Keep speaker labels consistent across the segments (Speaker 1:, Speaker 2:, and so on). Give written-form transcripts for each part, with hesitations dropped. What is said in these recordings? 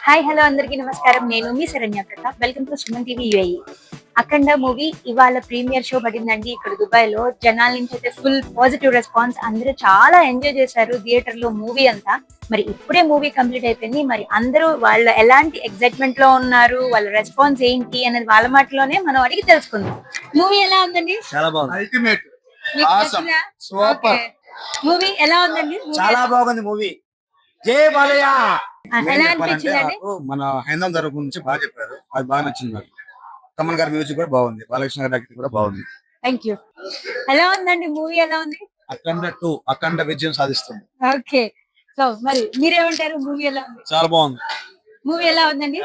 Speaker 1: Hi hello అందరికీ నమస్కారం. నేను మీ Saranya Pratap. Welcome to Suman TV UAE. Akhanda movie ఇవాళ ప్రీమియర్ షో పడిందండి ఇక్కడ దుబాయ్ లో. జనాల నుంచి అయితే ఫుల్ పాజిటివ్ రెస్పాన్స్. అందరూ చాలా ఎంజాయ్ చేశారు థియేటర్ లో మూవీ అంతా. మరి ఇప్పుడే మూవీ కంప్లీట్ అయిపోయింది. మరి అందరూ వాళ్ళ ఎలాంటి ఎక్సైట్మెంట్ లో ఉన్నారు, వాళ్ళ రెస్పాన్స్ ఏంటి అనేది వాళ్ళ మాటలోనే మనం అడిగి తెలుసుకుందాం. మూవీ ఎలా ఉందండి?
Speaker 2: చాలా బాగుంది.
Speaker 3: అల్టిమేట్
Speaker 1: మీకు
Speaker 3: Awesome.
Speaker 1: నచ్చిందా?
Speaker 3: Super
Speaker 1: Okay. మూవీ ఎలా ఉందండి?
Speaker 2: చాలా బాగుంది మూవీ. జై బాలయ్య.
Speaker 1: ఎలా అనిపించిందండి?
Speaker 3: మన హైందం తరపు నుంచి బాగా చెప్పారు, అది బాగా నచ్చింది నాకు. తమన్ గారి మ్యూజిక్ కూడా బాగుంది, బాలకృష్ణ గారి యాక్టింగ్ కూడా బాగుంది.
Speaker 1: Thank you. ఎలా ఉందండి మూవీ? ఎలా ఉంది?
Speaker 3: అఖండ విజయం సాధిస్తుంది.
Speaker 1: ఓకే. సో మరి మీరేమంటారు? మూవీ ఎలా ఉంది?
Speaker 3: చాలా బాగుంది.
Speaker 1: మూవీ ఎలా ఉందండి?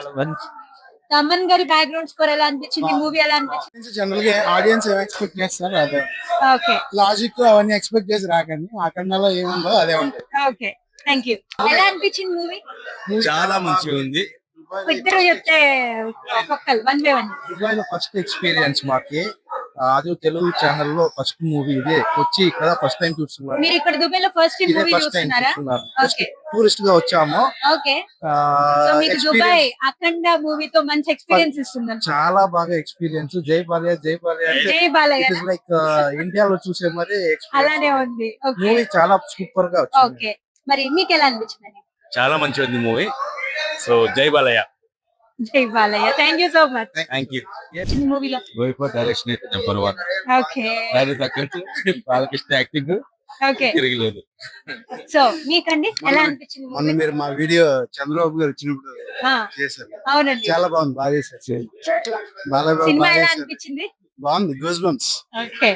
Speaker 1: తమన్ గారి బ్యాక్గ్రౌండ్ స్కోర్ ఎలా అనిపించింది? మూవీ ఎలా అనిపించింది?
Speaker 3: జనరల్ గా ఆడియన్స్ ఏం ఎక్స్పెక్ట్ చేస్తారు అదే
Speaker 1: ఓకే
Speaker 3: లాజిక్ అవన్నీ ఎక్స్పెక్ట్ చేసి రాకండి. అఖండలో ఏముందో అదే ఉంటుంది.
Speaker 1: Okay thank you. ఎలా అనిపించింది మూవీ?
Speaker 3: చాలా మంచిగా ఉంది.
Speaker 1: ఇద్దరు చెప్తే ఒక్కొక్కరు వన్ బై వన్.
Speaker 3: దుబాయ్ లో ఫస్ట్ ఎక్స్పీరియన్స్ మాకి. అది తెలుగు ఛానల్ లో ఫస్ట్ మూవీ ఇదే వచ్చి ఇక్కడ ఫస్ట్ టైం చూస్తున్నాం.
Speaker 1: మీరు ఇక్కడ దుబాయ్ లో ఫస్ట్
Speaker 3: ఇదే
Speaker 1: మూవీ
Speaker 3: ఫస్ట్ టైం
Speaker 1: చూస్తున్నారా?
Speaker 3: చూస్తున్నాం.
Speaker 1: ఓకే
Speaker 3: టూరిస్ట్ గా వచ్చాము.
Speaker 1: ఓకే. సో మీకు దుబాయ్ అఖండ మూవీతో మంచి ఎక్స్పీరియన్స్ ఇస్తుంది.
Speaker 3: చాలా బాగా ఎక్స్పీరియన్స్. జై బాలయ్య జై బాలయ్య అంటే
Speaker 1: జై బాలయ్య.
Speaker 3: ఇట్ ఇస్ లైక్ ఇండియాలో చూసే మరి
Speaker 1: అలానే ఉంది. ఓకే
Speaker 3: మూవీ చాలా సూపర్ గా వచ్చింది.
Speaker 1: ఓకే. మరి మీకు ఎలా అనిపించింది?
Speaker 4: చాలా మంచి ఉంది movie. So Jai Balayya.
Speaker 1: Jai Balayya. Thank you so much.
Speaker 4: Thank you.
Speaker 1: చిన్న మూవీలో
Speaker 4: గోయిపా డైరెక్షన్ అయితే నెంబర్ 1.
Speaker 1: ఓకే
Speaker 4: దాని తగ్గట్టు బాలకృష్ణ యాక్టింగ్
Speaker 1: ఓకే.
Speaker 4: తిరగలేదు.
Speaker 1: సో మీకండి ఎలా అనిపించింది
Speaker 3: మొన్న
Speaker 1: మూవీ?
Speaker 3: మీరు మా వీడియో చంద్రబాబు గారు వచ్చినప్పుడు
Speaker 1: ఆ,
Speaker 3: చేశారు,
Speaker 1: అవునండి.
Speaker 3: చాలా బాగుంది, బాగా చేశారు. బాలయ్య బాబు
Speaker 1: సినిమా
Speaker 3: బాగా
Speaker 1: ఎలా
Speaker 3: చేశారు.
Speaker 1: అనిపించింది?
Speaker 3: బాగుంది, goose bumps.
Speaker 1: Okay.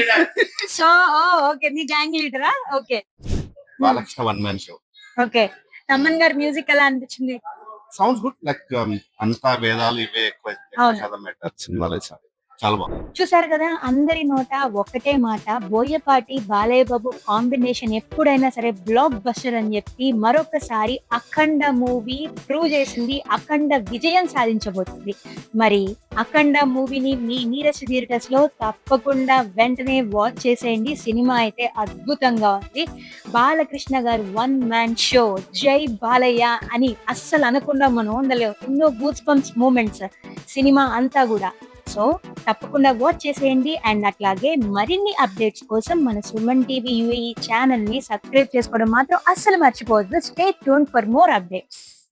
Speaker 1: So okay మీ గ్యాంగ్ లీడరా? Okay
Speaker 4: Balakrishna 1 man show.
Speaker 1: Okay. Thaman గారి మ్యూజిక్ ఎలా అనిపించింది?
Speaker 4: Sounds good. లైక్ అంతా వేదాలు ఇవే ఎక్కువ
Speaker 1: అవును.
Speaker 4: కదా మ్యాటర్ సినిమాలో చాలా బాగుంది.
Speaker 1: చూసారు కదా, అందరి నోట ఒకటే మాట, బోయపాటి బాలయ్య బాబు కాంబినేషన్ ఎప్పుడైనా సరే బ్లాక్ బస్టర్ అని చెప్పి మరొకసారి అఖండ మూవీ ప్రూవ్ చేసింది. అఖండ విజయం సాధించబోతుంది. మరి అఖండ మూవీని మీ నీరస్ థియేటర్స్ లో తప్పకుండా వెంటనే వాచ్ చేసేయండి. సినిమా అయితే అద్భుతంగా ఉంది. బాలకృష్ణ గారు 1 మ్యాన్ షో జై బాలయ్య అని అస్సలు అనకుండా మనం ఉండలేము. ఎన్నో గూస్ బంప్స్ మూమెంట్స్ సినిమా అంతా కూడా. సో తప్పకుండా వాచ్ చేసేయండి. అండ్ అట్లాగే మరిన్ని అప్డేట్స్ కోసం మన సుమన్ టీవీ యూఏఈ ఛానల్ ని సబ్స్క్రైబ్ చేసుకోవడం మాత్రం అస్సలు మర్చిపోవద్దు. Stay tuned for more updates.